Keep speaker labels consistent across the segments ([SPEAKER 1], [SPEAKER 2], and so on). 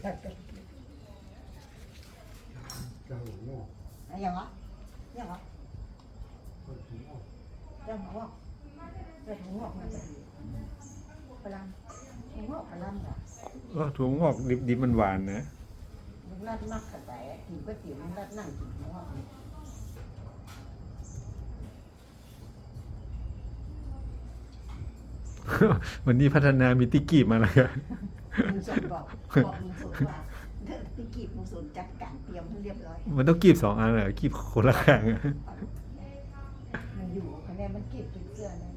[SPEAKER 1] เจ้าหัวงอก
[SPEAKER 2] อย่างวะอย่างวะ
[SPEAKER 1] ก็หัวงอก
[SPEAKER 2] เจ้าหัวงอกเจ้าหัวงอกมันจะดีพลังหัวงอกพลังอ่ะ
[SPEAKER 3] ถั่วงอกดิบๆมันหวานนะ
[SPEAKER 2] มันรัดมากขนาดไหนกินก๋วยเตี๋ยวมันรัดนั่งกินหัวงอก
[SPEAKER 3] วันนี้พัฒนามีติกีบมาแล้วกัน
[SPEAKER 2] มึงสนบอกมึงสนว่าตะกี้มึงสนจัดการเตรียมให้เรียบร้อย
[SPEAKER 3] มันต้องกีบ2 อันเหรอกีบคนละข้างอะ
[SPEAKER 2] มันอยู่คะแนนมันเก็บเป็นเสื้อนะ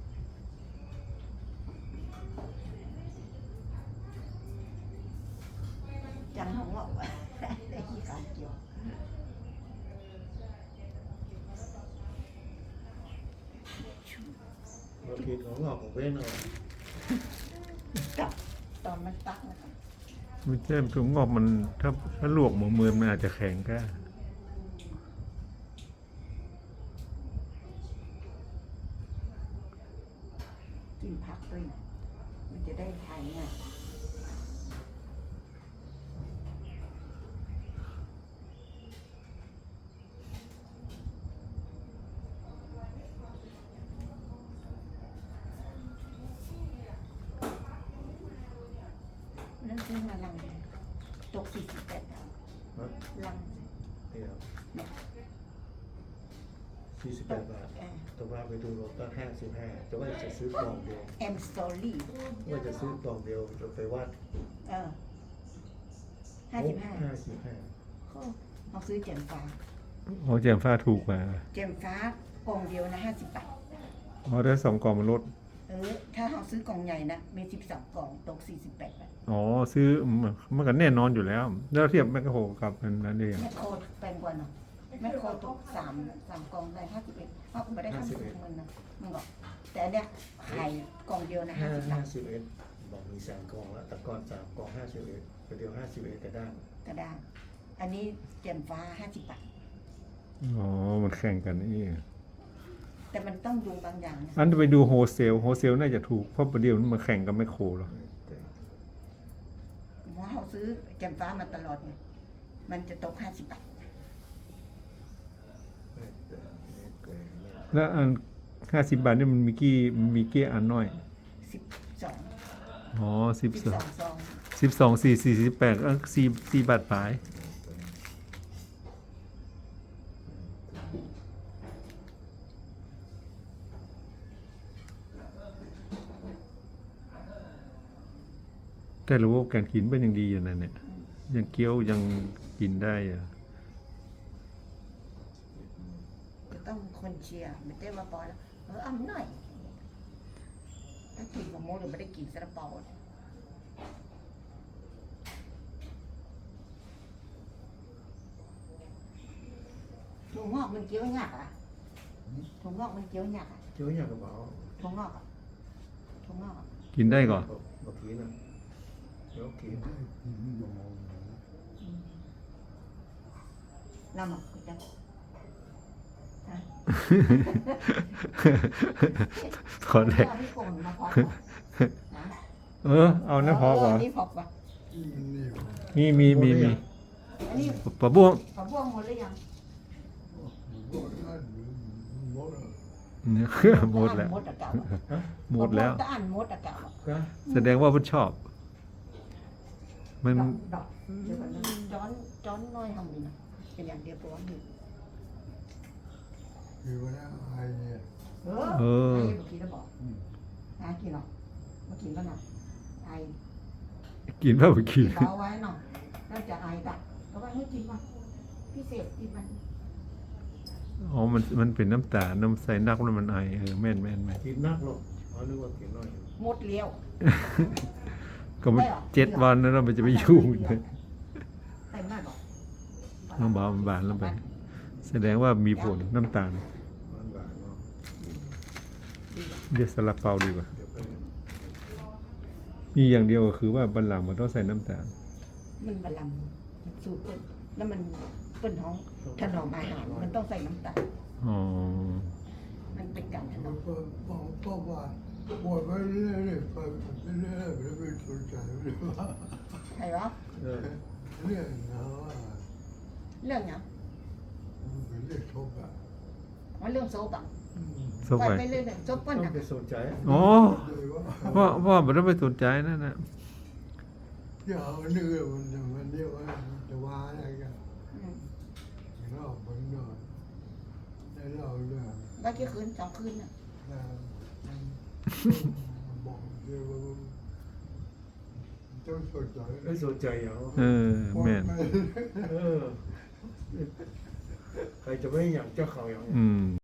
[SPEAKER 2] จังหัวงอกได้ขี้ขาเกี่ยว
[SPEAKER 1] เราคิดของงอกของเว้นเอา
[SPEAKER 2] กับตอนมันตักนะครับ
[SPEAKER 3] มันใช่ถั่วงอกมันถ้าลวกหมูมือมันอาจจะแข็งก็
[SPEAKER 2] กินผักด้วยนะมันจะได้ทานง่ายนั่นซื้อมาลังตก48 ดาว
[SPEAKER 1] ฮะ
[SPEAKER 2] ลัง
[SPEAKER 1] เดี๋ยว
[SPEAKER 2] เนี่ย
[SPEAKER 1] 48 บาทแต่ว่าไปดูรถก็55แต่ว่าจะซื้อกล่องเดียว
[SPEAKER 2] แอมสตอรี่
[SPEAKER 1] ว่าจะซื้อกล่องเดียวจะไปวัด
[SPEAKER 2] 55
[SPEAKER 1] 55
[SPEAKER 2] เขาซื้อแจ่มฟ้า
[SPEAKER 3] อ๋อแจมฟ้าถูกกว่า
[SPEAKER 2] แจ่มฟ้ากล่องเดียวนะ50 บาท
[SPEAKER 3] อ๋อถ้า2 กล่องมันลด
[SPEAKER 2] ถ้าเขาซื้อกล่องใหญ่นะมี12 กล่องตก48 บาท
[SPEAKER 3] อ๋อซื้อมันก็แน่นอนอยู่แล้ว แล้วเทียบแมคโครกับอันนั้นเอง
[SPEAKER 2] แมคโครแพงกว่าเนาะแมคโครตก3 กล่องได้51เขาไม่ได้50เงินนะมึงบอกแต่อันเนี้ยไข่กล่องเดียวนะ50 บาท
[SPEAKER 1] 51บอกมี3กล่องแล้วแต่ก่อน3กล่อง51เดียว51กระด้าง
[SPEAKER 2] กระด้างอันนี้แจ่มฟ้า50 บาท
[SPEAKER 3] อ๋อมันแข่งกันนี่
[SPEAKER 2] แต่มันต้องดูบางอย่างนะ
[SPEAKER 3] อันไปดูโฮเซลน่าจะถูกเพราะประเดี๋ยวมันมาแข่งกับแมคโครหรอ
[SPEAKER 2] เพราะเขาซื้อแจ่มฟ้ามาตลอดไงมันจะตก50 บาท
[SPEAKER 3] แล้วอัน50 บาทนี่มันมีกี่อันน้อย
[SPEAKER 2] 12
[SPEAKER 3] อ๋อ
[SPEAKER 2] 12 ซอง
[SPEAKER 3] 12 48ก็4 บาทปลายแต่ระบบการกินเป็นยังดีอยู่นั่นเนี่ยยังเคี้ยวยังกินได้อะ
[SPEAKER 2] จะต้องคนเชียร์ไม่ได้มาปล่อยแล้วเอาหน่อยถ้ากินกับโมหรือไม่ได้กินซาลาเปาถั่วงอกมันเคี้ยวยากอ่ะถั่วงอกมันเคี้ยวยากอ่ะ
[SPEAKER 1] เจ้าอยากกระเป๋า
[SPEAKER 2] ถั่วงอกอ่ะถั่วงอกอ่ะ
[SPEAKER 3] กินได้ก่อน
[SPEAKER 1] บอกทีนะเดี๋ยวกิน
[SPEAKER 2] เราหมักกูจะฮะ
[SPEAKER 3] ขอแรก
[SPEAKER 2] พี่โกนมาพอนะ
[SPEAKER 3] เอาน้ำพอก่อน
[SPEAKER 2] นี่พอป่ะ
[SPEAKER 3] มี
[SPEAKER 2] อันนี้
[SPEAKER 3] ปะบ้วง
[SPEAKER 2] ผักบ้วงหมดหรือยัง
[SPEAKER 3] เนี่ยหมดแล้ว
[SPEAKER 2] หมดอะเก่า
[SPEAKER 3] หมดแล้ว
[SPEAKER 2] ตะอันหมดอะเก่า
[SPEAKER 1] ก็
[SPEAKER 3] แสดงว่ามันชอบ มัน
[SPEAKER 2] ดอกเดี๋ยวก่อนนะจ้อนน้อยทำดีนะเป็นอย่างเดียวตัวหนึ่ง
[SPEAKER 1] คือว่าไอ้เนี่ย
[SPEAKER 2] เออเมื่อกี้เราบอกนะกินหรอเมื่อกี้ก็หน่อยไอ
[SPEAKER 3] กินเปล่าไปกิน
[SPEAKER 2] เบาไว้หน่อยน่าจะไอดักก็ว่าให้กินมาพิเศษกินมัน
[SPEAKER 3] อ๋อมันเป็นน้ำตาลน้ำใส่นักแล้วมันไอแม่น
[SPEAKER 1] กินนักหรอกเขานึกว่ากินน้อย
[SPEAKER 2] หมดเลี้ยว
[SPEAKER 3] ก็มัน7 วันแล้วมันจะไปยุ่ง
[SPEAKER 2] เต็มได้บอก
[SPEAKER 3] น้ำบานแล้วไป แสดงว่ามีผลน้ำตาล
[SPEAKER 1] มันบาทเนาะ
[SPEAKER 3] เดี๋ยวซาลาเปาดีกว่า
[SPEAKER 1] เดี๋ยวไป
[SPEAKER 3] มีอย่างเดียวก็คือว่าบันหลังมันต้องใส่น้ำตาล
[SPEAKER 2] มันบะลำมันสูตรเปิ้ลแล้วมันเปิ้ลท้องถนอมอาหารมันต้องใส่น้ำตาล
[SPEAKER 3] อ๋อ
[SPEAKER 2] มันเป็นการถนอม
[SPEAKER 1] บอกว่าปวดไปเรื่อยๆไปเรื่อยๆไม่ได้สนใจเลยว่า
[SPEAKER 2] ใครวะ
[SPEAKER 1] เออ
[SPEAKER 4] เรื่องเนาะ
[SPEAKER 2] เรื่องเนี้ย
[SPEAKER 4] มันเป็นเรื่องทุกข์อ่ะ
[SPEAKER 2] ว่าเรื่องโซบะ
[SPEAKER 3] ซบ
[SPEAKER 2] ปล่อย
[SPEAKER 3] ไป
[SPEAKER 2] ไปเรื่อยๆโซบ
[SPEAKER 1] ต้
[SPEAKER 2] เปิ้
[SPEAKER 1] อ
[SPEAKER 2] ล
[SPEAKER 1] ง
[SPEAKER 2] น่ะ
[SPEAKER 1] ไปสนใจ
[SPEAKER 3] อ๋อ
[SPEAKER 4] เลยว่า
[SPEAKER 3] พ่อไม่ต้องไปสนใจนั่นนะ
[SPEAKER 4] อย่าเอาเนื้อมันเรียกว่าจะว่าอะไรกัน
[SPEAKER 2] อืม
[SPEAKER 4] เรามันนอนได้เราเรื่อง
[SPEAKER 2] ได้กี่คืน2 คืนน่ะ
[SPEAKER 4] แล้วบอกเรื่องว่าต้องสนใจ
[SPEAKER 1] ไม่สนใจเหรอ
[SPEAKER 3] เออแม่น
[SPEAKER 1] เออใครจะไม่อยากเจ้าเขาอย่าง
[SPEAKER 3] อืม